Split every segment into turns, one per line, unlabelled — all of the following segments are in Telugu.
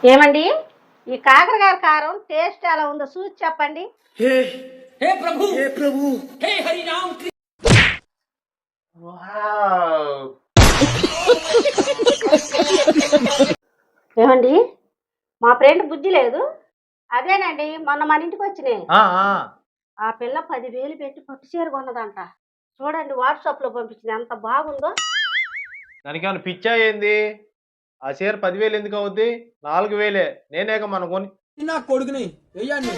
ఏమండి ఈ కాకరకాయ కారం టేస్ట్ ఎలా ఉందో చూసి చెప్పండి.
हे हे प्रभु हे हरि राम
వావ్!
ఏమండి మా ఫ్రెండ్ బుద్ధి లేదు. అదేనండి మొన్న మన ఇంటికి వచ్చినాయి.
ఆ! ఆ!
ఆ పిల్ల 10,000 పెట్టి పట్టు చీర కొన్నదంట. చూడండి వాట్సాప్ లో పంపించింది, ఎంత బాగుందో.
దానికేమన్నా పిచ్చా ఏంది? ఆ చీర 10,000 ఎందుకు అవుద్ది? 4,000 నేనేగా మొన్న కొని
ना కొడుకుని వెయ్యండి.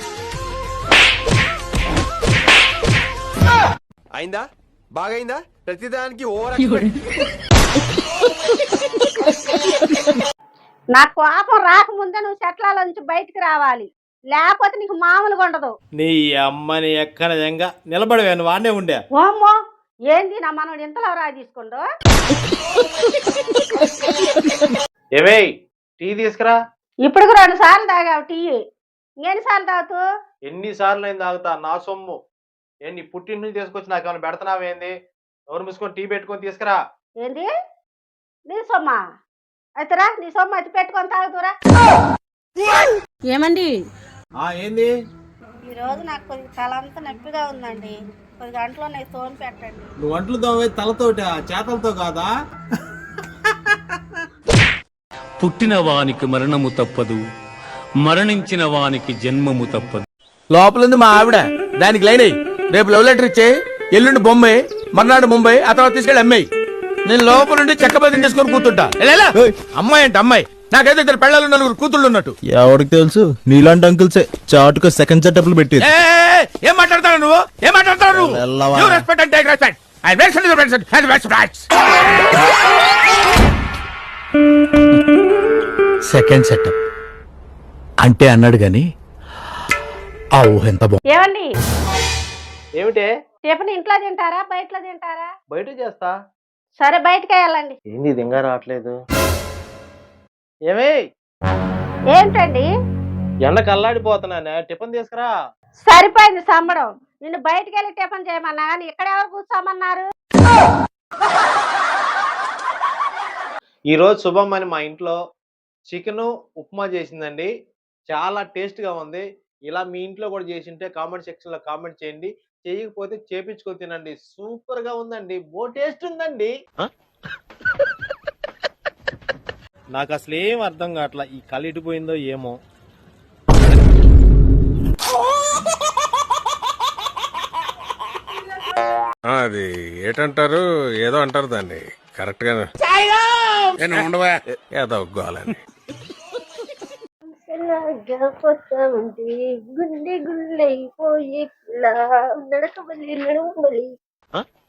అయిందా బాగైందా ప్రతిదానికి ఓవర్
నా కోపం రాకముందే నువ్వు చెట్ల నుంచి బయటికి రావాలి, లేకపోతే నీకు మామూలుగా ఉండదు.
నీ అమ్మని ఎక్కడ నిజంగా నిలబడవే నువ్వు వాడినే ఉండే.
ఓమ్మో, ఏంది నా మనోడు ఇంతలో రా తీసుకుంటూ.
ఏమే టీ తీసుకురా.
ఇప్పుడు 2 సార్లు తాగావు టీ, ఇంకెన్నిసార్లు తాగుతూ?
ఎన్నిసార్లు అయింది తాగుతా? నా సొమ్ము నీ పుట్టింటి నుంచి తీసుకొచ్చి నాకేమైనా పెడతానావేంది? ఎవరు మూసుకొని టీ పెట్టుకొని తీసుకురా.
ఏంది నీ సొమ్మా? అయితే రా, నీ సొమ్ము అయితే పెట్టుకొని తాగుతురా. ఏమండి
ఏంది?
ఈరోజు నాకు కొద్దిగా తలంతా నొప్పిగా ఉందండి, కొద్ది గంటలో నాకు తోని పెట్టండి.
నువ్వు వంటలు తోమే తలతోట చేతలతో కాదా?
పుట్టిన వానికి మరణము తప్పదు, మరణించిన వానికి జన్మము తప్పదు.
లోపలింది మా ఆవిడ దానికి లైన్ అయ్యి రేపు లవ్ లెటర్ ఇచ్చే ఎల్లుండి బొంబాయి మర్నాడు ముంబై ఆ తర్వాత తీసుకెళ్ళి అమ్మాయి నేను లోపల నుండి చెక్కబదిని చేసుకొని కూతుంటా. అమ్మాయి అంటే అమ్మాయి నాకైతే 2 పెళ్ళాలు 4 కూతుళ్ళు ఉన్నట్టు.
ఎవరికి తెలుసు నీలాంటి అంకుల్సే చాటుకు సెకండ్ సెటప్లు పెట్టి.
ఏం మాట్లాడతావు నువ్వు? ఏం మాట్లాడతావు నువ్వు? You respect and take respect. I respect the respect and the respect. Second setup అంటే అన్నాడు గాని ఆ ఊహ ఎంత బాగుంది.
ఏమండి
ఏమిటే?
టిఫిన్ ఇంట్లో తింటారా బయటలో తింటారా?
బయట చేస్తా.
సరే బయటకే వెళ్ళండి.
ఏంది ఇది ఇంకా రావట్లేదు? ఏమే
ఏంటండి
ఎండకు అల్లాడిపోతున్నానే, టిఫిన్ తీసుకురా.
సరిపోయింది సంబడం. నిన్ను బయటికి వెళ్ళి టిఫిన్ చేయమన్నా కానీ ఇక్కడ ఎవరు కూర్చోమన్నారు?
ఈరోజు శుభం అని మా ఇంట్లో చికెన్ ఉప్మా చేసిందండి. చాలా టేస్ట్గా ఉంది. ఇలా మీ ఇంట్లో కూడా చేసింటే కామెంట్ సెక్షన్లో కామెంట్ చేయండి. చేయకపోతే చేపించుకొని తినండి. సూపర్గా ఉందండి, బో టేస్ట్ ఉందండి. నాకు అసలు ఏం అర్థం కావట్లా, ఈ కలిటిపోయిందో ఏమో.
అది ఏటంటారు ఏదో అంటారు దాన్ని కరెక్ట్ గా ఉండవా ఏదో ఒగ్గాలని
గుండె గుండె పోయే నడకబలి నడవబలి